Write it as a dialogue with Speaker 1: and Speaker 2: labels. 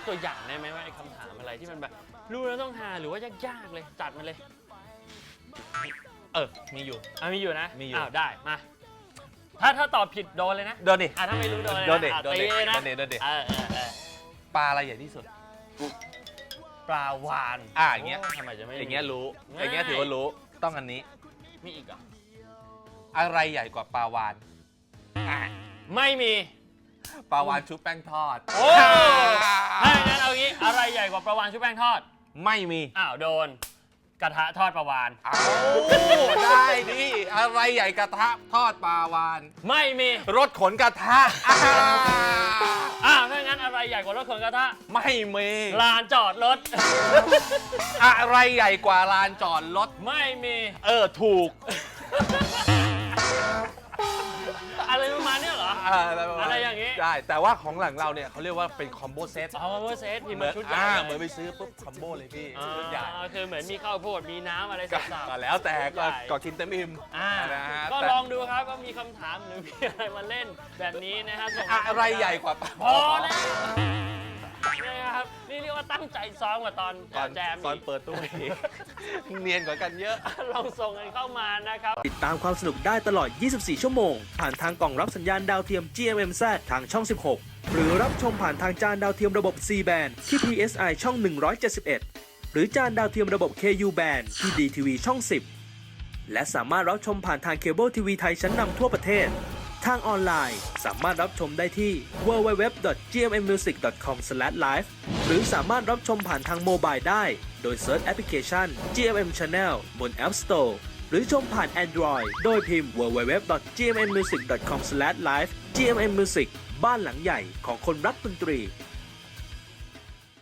Speaker 1: ตัวอย่างได้ไหมว่าไอ้คำถามอะไรที่มันแบบรู้แล้วต้องหาหรือว่ายากๆเลยจัดมาเลย
Speaker 2: มีอยู่
Speaker 1: มีอยู่นะ
Speaker 2: มีอยู่
Speaker 1: ได้มาถ้าตอบผิดโดนเลยนะ
Speaker 2: โดนดิ
Speaker 1: ถ้าไม่รู้โดนเลยนะ
Speaker 2: โดนดิ
Speaker 1: ตีเลยนะ
Speaker 2: โดนดิโดนดิ
Speaker 1: เออ
Speaker 2: ปลาอะไรใหญ่ที่สุด
Speaker 1: ปลาวาน
Speaker 2: อย่างเงี้ย
Speaker 1: ทำไมจะไม่
Speaker 2: อย่างเงี้ยรู้
Speaker 1: ง่าย
Speaker 2: อย่างเงี้ยถือว่ารู้ต้องอันนี้
Speaker 1: มีอีกเหรอ
Speaker 2: อะไรใหญ่กว่าปลาวาน
Speaker 1: ไม่มี
Speaker 2: ปลาวานชุบแป้งทอด
Speaker 1: โอ้ถ้าอย่างนั้นเอางี้อะไรใหญ่กว่าปลาวานชุบแป้งทอด
Speaker 2: ไม่มี
Speaker 1: โดนกระทะทอดปลาวาน
Speaker 2: ได้ดิอะไรใหญ่กระทะทอดปลาวาน
Speaker 1: ไม่มี
Speaker 2: รถขนกระทะ
Speaker 1: ถ้าอย่างนั้นอะไรใหญ่กว่ารถขนกระทะ
Speaker 2: ไม่มี
Speaker 1: ลานจอดรถ
Speaker 2: อะไรใหญ่กว่าลานจอดรถ
Speaker 1: ไม่มี
Speaker 2: ถูก
Speaker 1: อะไรประมาณเนี้ยเหรอ อะไรอย่างงี้
Speaker 2: ได้แต่ว่าของหลังเราเนี่ยเขาเรียกว่าเป็นคอมโบเซต
Speaker 1: เวอร์เซตพิมพ์มาชุดใหญ่
Speaker 2: เหมือนไปซื้อปุ๊บคอมโบเลยพี่ชุดใหญ่
Speaker 1: คือเหมือนมีข้าวโพดมีน้ำอะไรสับ
Speaker 2: ก็แล้วแต่ก็กินเต็มอิ่มนะฮะ
Speaker 1: ก็ลองดูครับว่ามีคำถามหรือมีอะไรมาเล่นแบบนี้นะฮะส่งมา
Speaker 2: อะไรใหญ่กว่า
Speaker 1: พอแล้วนะครับนี่เรียกว่าตั้งใจซ้อมกว่าตอนแจม
Speaker 2: ตอนเปิดตัวอีกเนียนกว่ากันเยอะ
Speaker 1: ลองส่งกันเข้ามานะครับ
Speaker 3: ติดตามความสนุกได้ตลอด 24 ชั่วโมง ผ่านทางกล่องรับสัญญาณดาวเทียม GMMZ ทางช่อง 16 หรือรับชมผ่านทางจานดาวเทียมระบบ C band ที่ PSI ช่อง 171 หรือจานดาวเทียมระบบ KU band ที่ DTV ช่อง 10 และสามารถรับชมผ่านทางเคเบิลทีวีไทยชั้นนำทั่วประเทศ ทางออนไลน์สามารถรับชมได้ที่ www.gmmmusic.com/live หรือสามารถรับชมผ่านทางโมบายได้โดยเซิร์ชแอปพลิเคชัน GMM Channel บน App Store หรือชมผ่าน Android โดยพิมพ์ www.gmmmusic.com/live GMM Music บ้านหลังใหญ่ของคนรักดนตรี